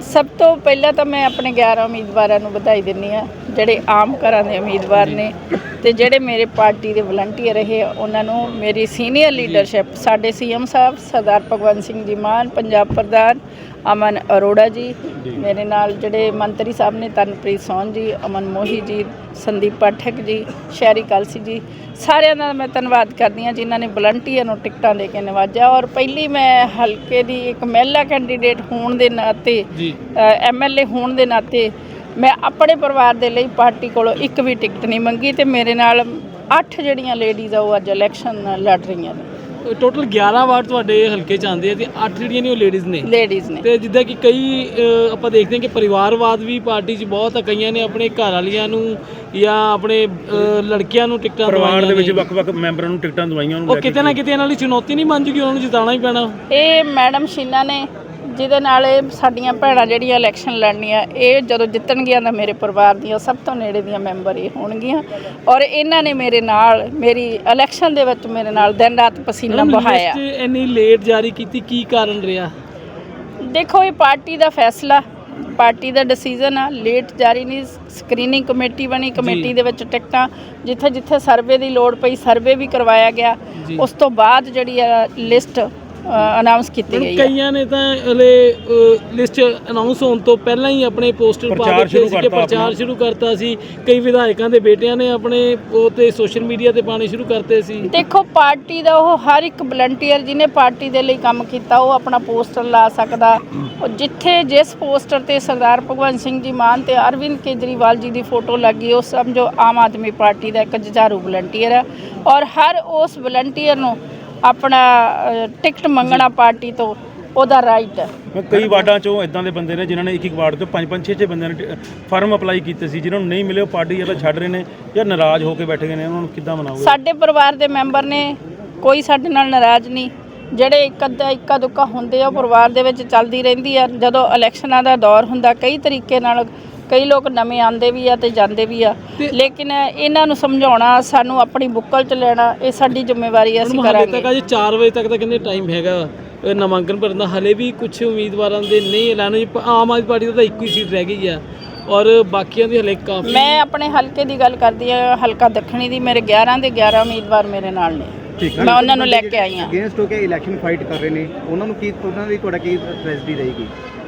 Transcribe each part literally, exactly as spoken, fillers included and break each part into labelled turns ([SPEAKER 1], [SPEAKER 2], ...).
[SPEAKER 1] ਸਭ ਤੋਂ ਪਹਿਲਾਂ ਤਾਂ ਮੈਂ ਆਪਣੇ ਗਿਆਰਾਂ ਉਮੀਦਵਾਰਾਂ ਨੂੰ ਵਧਾਈ ਦਿੰਦੀ ਹਾਂ ਜਿਹੜੇ ਆਮ ਘਰਾਂ ਦੇ ਉਮੀਦਵਾਰ ਨੇ ਤੇ ਜਿਹੜੇ ਮੇਰੇ ਪਾਰਟੀ ਦੇ ਵਲੰਟੀਅਰ ਰਹੇ ਉਹਨਾਂ ਨੂੰ ਮੇਰੀ ਸੀਨੀਅਰ ਲੀਡਰਸ਼ਿਪ ਸਾਡੇ ਸੀਐਮ ਸਾਹਿਬ ਸਰਦਾਰ ਭਗਵੰਤ ਸਿੰਘ ਜੀ ਮਾਨ, ਪੰਜਾਬ ਪ੍ਰਧਾਨ ਅਮਨ ਅਰੋੜਾ ਜੀ, ਮੇਰੇ ਨਾਲ ਜਿਹੜੇ ਮੰਤਰੀ ਸਾਹਿਬ ਨੇ ਤਨਪ੍ਰੀਤ ਸੋਹਣ ਜੀ, ਅਮਨ ਮੋਹੀ ਜੀ, ਸੰਦੀਪ ਪਾਠਕ ਜੀ, ਸ਼ਹਿਰੀ ਕਲਸੀ ਜੀ, ਸਾਰਿਆਂ ਦਾ ਮੈਂ ਧੰਨਵਾਦ ਕਰਦੀ ਹਾਂ ਜਿਨ੍ਹਾਂ ਨੇ ਵਲੰਟੀਅਰ ਨੂੰ ਟਿਕਟਾਂ ਦੇ ਕੇ ਨਵਾਜਿਆ। ਔਰ ਪਹਿਲੀ ਮੈਂ ਹਲਕੇ ਦੀ ਇੱਕ ਮਹਿਲਾ ਕੈਂਡੀਡੇਟ ਹੋਣ ਦੇ ਨਾਤੇ ਐਮ ਐਲ ਏ ਹੋਣ ਦੇ ਨਾਤੇ ਮੈਂ ਆਪਣੇ ਪਰਿਵਾਰ ਦੇ ਲਈ ਪਾਰਟੀ ਕੋਲੋਂ ਇੱਕ ਵੀ ਟਿਕਟ ਨਹੀਂ ਮੰਗੀ ਤੇ ਮੇਰੇ ਨਾਲ ਅੱਠ ਜਿਹੜੀਆਂ ਲੇਡੀਜ਼ ਆ ਉਹ ਅੱਜ ਇਲੈਕਸ਼ਨ ਲੜ ਰਹੀਆਂ ਨੇ।
[SPEAKER 2] ਟੋਟਲ ਗਿਆਰਾਂ ਵਾਰਡ ਤੁਹਾਡੇ ਹਲਕੇ 'ਚ ਆਉਂਦੇ ਆ ਤੇ ਅੱਠ ਜਿਹੜੀਆਂ ਨੇ ਉਹ ਲੇਡੀਜ਼ ਨੇ
[SPEAKER 1] ਲੇਡੀਜ਼ ਨੇ
[SPEAKER 2] ਤੇ ਜਿੱਦਾਂ ਕਿ ਕਈ ਆਪਾਂ ਦੇਖਦੇ ਹਾਂ ਕਿ ਪਰਿਵਾਰਵਾਦ ਵੀ ਪਾਰਟੀ 'ਚ ਬਹੁਤ ਆ, ਕਈਆਂ ਨੇ ਆਪਣੇ ਘਰ ਵਾਲੀਆਂ ਨੂੰ ਜਾਂ ਆਪਣੇ ਲੜਕੀਆਂ ਨੂੰ ਟਿਕਟਾਂ
[SPEAKER 3] ਪਰਿਵਾਰ ਦੇ ਵਿੱਚ ਵੱਖ-ਵੱਖ ਮੈਂਬਰਾਂ ਨੂੰ ਟਿਕਟਾਂ ਦਵਾਈਆਂ
[SPEAKER 2] ਉਹ ਕਿਤੇ ਨਾ ਕਿਤੇ ਇਹਨਾਂ ਲਈ ਚੁਣੌਤੀ ਨਹੀਂ ਬਣ ਜੂਗੀ, ਉਹਨਾਂ ਨੂੰ ਜਿਤਾਉਣਾ ਹੀ ਪੈਣਾ।
[SPEAKER 1] ਇਹ ਮੈਡਮ ਸ਼ੀਨਾ ਨੇ ਜਿਹਦੇ ਨਾਲ ਇਹ ਸਾਡੀਆਂ ਭੈਣਾਂ ਜਿਹੜੀਆਂ ਇਲੈਕਸ਼ਨ ਲੜਨੀਆਂ ਇਹ ਜਦੋਂ ਜਿੱਤਣਗੀਆਂ ਤਾਂ ਮੇਰੇ ਪਰਿਵਾਰ ਦੀਆਂ ਸਭ ਤੋਂ ਨੇੜੇ ਦੀਆਂ ਮੈਂਬਰ ਇਹ ਹੋਣਗੀਆਂ ਔਰ ਇਹਨਾਂ ਨੇ ਮੇਰੇ ਨਾਲ ਮੇਰੀ ਇਲੈਕਸ਼ਨ ਦੇ ਵਿੱਚ ਮੇਰੇ ਨਾਲ ਦਿਨ ਰਾਤ ਪਸੀਨਾ ਬਹਾਇਆ।
[SPEAKER 2] ਇੰਨੀ ਲੇਟ ਜਾਰੀ ਕੀਤੀ ਕੀ ਕਾਰਨ ਰਿਹਾ?
[SPEAKER 1] ਦੇਖੋ ਇਹ ਪਾਰਟੀ ਦਾ ਫੈਸਲਾ, ਪਾਰਟੀ ਦਾ ਡਿਸੀਜਨ ਆ, ਲੇਟ ਜਾਰੀ ਨਹੀਂ। ਸਕਰੀਨਿੰਗ ਕਮੇਟੀ ਬਣੀ, ਕਮੇਟੀ ਦੇ ਵਿੱਚ ਟਿਕਟਾਂ ਜਿੱਥੇ ਜਿੱਥੇ ਸਰਵੇ ਦੀ ਲੋੜ ਪਈ ਸਰਵੇ ਵੀ ਕਰਵਾਇਆ ਗਿਆ, ਉਸ ਤੋਂ ਬਾਅਦ ਜਿਹੜੀ ਆ ਲਿਸਟ ਅਨਾਉਂਸ ਕੀਤੀ ਗਈ ਹੈ।
[SPEAKER 2] ਕਈਆਂ ਨੇ ਤਾਂ ਹਲੇ ਲਿਸਟ ਅਨਾਉਂਸ ਹੋਣ ਤੋਂ ਪਹਿਲਾਂ ਹੀ ਆਪਣੇ ਪੋਸਟਰ ਪਾ ਦਿੱਤੇ ਸੀ ਕਿ ਪ੍ਰਚਾਰ ਸ਼ੁਰੂ ਕਰਤਾ ਸੀ। ਕਈ ਵਿਧਾਇਕਾਂ ਦੇ ਬੇਟਿਆਂ ਨੇ ਆਪਣੇ ਉਹ ਤੇ ਸੋਸ਼ਲ ਮੀਡੀਆ ਤੇ ਪਾਣੇ ਸ਼ੁਰੂ ਕਰਤੇ ਸੀ।
[SPEAKER 1] ਦੇਖੋ ਪਾਰਟੀ ਦਾ ਉਹ ਹਰ ਇੱਕ ਵਲੰਟੀਅਰ ਜਿਹਨੇ ਪਾਰਟੀ ਦੇ ਲਈ ਕੰਮ ਕੀਤਾ ਉਹ ਆਪਣਾ ਪੋਸਟਰ ਲਾ ਸਕਦਾ। ਉਹ ਜਿੱਥੇ ਜਿਸ ਪੋਸਟਰ ਤੇ ਸਰਦਾਰ ਭਗਵੰਤ ਸਿੰਘ ਜੀ ਮਾਨ ਤੇ ਅਰਵਿੰਦ ਕੇਜਰੀਵਾਲ ਜੀ ਦੀ ਫੋਟੋ ਲੱਗੀ ਉਹ ਸਮਝੋ ਆਮ ਆਦਮੀ ਪਾਰਟੀ ਦਾ ਇੱਕ ਜੁਝਾਰੂ ਵਲੰਟੀਅਰ ਹੈ ਔਰ ਹਰ ਉਸ ਵਲੰਟੀਅਰ ਨੂੰ ਆਪਣਾ ਟਿਕਟ ਮੰਗਣਾ ਪਾਰਟੀ ਤੋਂ ਉਹਦਾ ਰਾਈਟ ਹੈ।
[SPEAKER 3] ਕਈ ਵਾਰਡਾਂ 'ਚੋਂ ਇਦਾਂ ਦੇ ਬੰਦੇ ਨੇ ਜਿਨ੍ਹਾਂ ਨੇ ਇੱਕ ਇੱਕ ਵਾਰਡ ਤੋਂ ਪੰਜ ਪੰਜ ਛੇ ਛੇ ਬੰਦਿਆਂ ਨੇ ਫਾਰਮ ਅਪਲਾਈ ਕੀਤੇ ਸੀ, ਜਿਨ੍ਹਾਂ ਨੂੰ ਨਹੀਂ ਮਿਲੇ ਉਹ ਪਾਰਟੀ ਜਾਂ ਤਾਂ ਛੱਡ ਰਹੇ ਨੇ ਜਾਂ ਨਾਰਾਜ਼ ਹੋ ਕੇ ਬੈਠੇ ਗਏ ਨੇ। ਉਹਨਾਂ ਨੂੰ ਕਿੱਦਾਂ ਮਨਾਓਗੇ?
[SPEAKER 1] ਸਾਡੇ ਪਰਿਵਾਰ ਦੇ ਮੈਂਬਰ ਨੇ, ਕੋਈ ਸਾਡੇ ਨਾਲ ਨਾਰਾਜ਼ ਨਹੀਂ। ਜਿਹੜੇ ਇੱਕ ਅੱਧਾ ਇੱਕਾ ਦੁੱਕਾ ਹੁੰਦੇ ਆ ਉਹ ਪਰਿਵਾਰ ਦੇ ਵਿੱਚ ਚੱਲਦੀ ਰਹਿੰਦੀ ਆ। ਜਦੋਂ ਇਲੈਕਸ਼ਨਾਂ ਦਾ ਦੌਰ ਹੁੰਦਾ ਕਈ ਤਰੀਕੇ ਨਾਲ ਕਈ ਲੋਕ ਨਵੇਂ ਆਉਂਦੇ ਵੀ ਆ ਤੇ ਜਾਂਦੇ ਵੀ ਆ, ਲੇਕਿਨ ਇਹਨਾਂ ਨੂੰ ਸਮਝਾਉਣਾ, ਸਾਨੂੰ ਆਪਣੀ ਬੁੱਕਲ 'ਚ ਲੈਣਾ ਇਹ ਸਾਡੀ ਜ਼ਿੰਮੇਵਾਰੀ ਅਸੀਂ ਕਰਾਂਗੇ।
[SPEAKER 2] ਤੱਕ ਅਜੇ ਚਾਰ ਵਜੇ ਤੱਕ ਦਾ ਕਿੰਨੇ ਟਾਈਮ ਹੈਗਾ ਨਾਮਾਂਕਨ ਭਰਨ ਦਾ? ਹਲੇ ਵੀ ਕੁਝ ਉਮੀਦਵਾਰਾਂ ਦੇ ਨਹੀਂ ਐਲਾਨ ਹੋਈ। ਆਮ ਆਦਮੀ ਪਾਰਟੀ ਦਾ ਤਾਂ ਇੱਕੋ ਹੀ ਸੀਟ ਰਹਿ ਗਈ ਆ ਔਰ ਬਾਕੀਆਂ ਦੀ ਹਲੇ ਕਾਫੀ।
[SPEAKER 1] ਮੈਂ ਆਪਣੇ ਹਲਕੇ ਦੀ ਗੱਲ ਕਰਦੀ ਹਾਂ, ਹਲਕਾ ਦੱਖਣੀ ਦੀ। ਮੇਰੇ ਗਿਆਰਾਂ ਦੇ ਗਿਆਰਾਂ ਉਮੀਦਵਾਰ ਮੇਰੇ ਨਾਲ ਨੇ, ਮੈਂ ਉਹਨਾਂ ਨੂੰ ਲੈ ਕੇ ਆਈ ਹਾਂ।
[SPEAKER 4] ਅਗੇਂਸਟ ਹੋ ਕੇ ਇਲੈਕਸ਼ਨ ਫਾਈਟ ਕਰ ਰਹੇ ਨੇ ਉਹਨਾਂ ਨੂੰ ਕੀ, ਉਹਨਾਂ ਦੀ ਤੁਹਾਡਾ ਕੀ ਸਟ੍ਰੈਟਜੀ ਰਹੇਗੀ?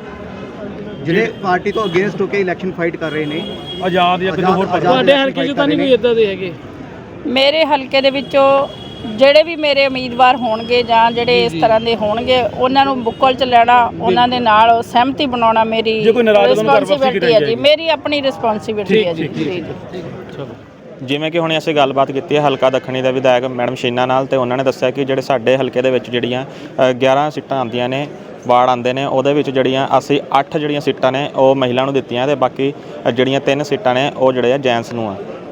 [SPEAKER 4] ਜਿਹੜੇ ਪਾਰਟੀ ਤੋਂ ਅਗੇਂਸਟ ਹੋ ਕੇ ਇਲੈਕਸ਼ਨ ਫਾਈਟ ਕਰ ਰਹੇ ਨੇ
[SPEAKER 3] ਆਜ਼ਾਦ ਜਾਂ ਕਿਸੇ ਹੋਰ
[SPEAKER 2] ਤੁਹਾਡੇ ਹਲਕੇ 'ਚ ਤਾਂ ਨਹੀਂ ਕੋਈ ਇਦਾਂ ਦੇ ਹੈਗੇ?
[SPEAKER 1] ਮੇਰੇ ਹਲਕੇ ਦੇ ਵਿੱਚੋਂ ਜਿਹੜੇ ਵੀ ਮੇਰੇ ਉਮੀਦਵਾਰ ਹੋਣਗੇ ਜਾਂ ਜਿਹੜੇ ਇਸ ਤਰ੍ਹਾਂ ਦੇ ਹੋਣਗੇ ਉਹਨਾਂ ਨੂੰ ਬੁੱਕਲ 'ਚ ਲੈਣਾ, ਉਹਨਾਂ ਦੇ ਨਾਲ ਸਹਿਮਤੀ ਬਣਾਉਣਾ ਮੇਰੀ ਰਿਸਪੌਂਸਿਬਿਲਟੀ ਹੈ ਜੀ, ਮੇਰੀ ਆਪਣੀ ਰਿਸਪੌਂਸਿਬਿਲਟੀ ਹੈ ਜੀ।
[SPEAKER 5] ਜਿਵੇਂ ਕਿ ਹੁਣ ਅਸੀਂ ਗੱਲਬਾਤ ਕੀਤੀ ਹੈ ਹਲਕਾ ਦੱਖਣੀ ਦੇ ਵਿਧਾਇਕ ਮੈਡਮ ਸ਼ੀਨਾ ਨਾਲ, ਤੇ ਉਹਨਾਂ ਨੇ ਦੱਸਿਆ ਕਿ ਜਿਹੜੇ ਸਾਡੇ ਹਲਕੇ ਦੇ ਵਿੱਚ ਜਿਹੜੀਆਂ ਗਿਆਰਾਂ ਸੀਟਾਂ ਆਉਂਦੀਆਂ ਨੇ, ਵਾਰਡ ਆਉਂਦੇ ਨੇ, ਉਹਦੇ ਵਿੱਚ ਜਿਹੜੀਆਂ ਅਸੀਂ ਅੱਠ ਜਿਹੜੀਆਂ ਸੀਟਾਂ ਨੇ ਉਹ ਮਹਿਲਾ ਨੂੰ ਦਿੱਤੀਆਂ ਤੇ ਬਾਕੀ ਜਿਹੜੀਆਂ ਤਿੰਨ ਸੀਟਾਂ ਨੇ ਉਹ ਜਿਹੜੇ ਆ ਜੈਂਟਸ ਨੂੰ ਆ।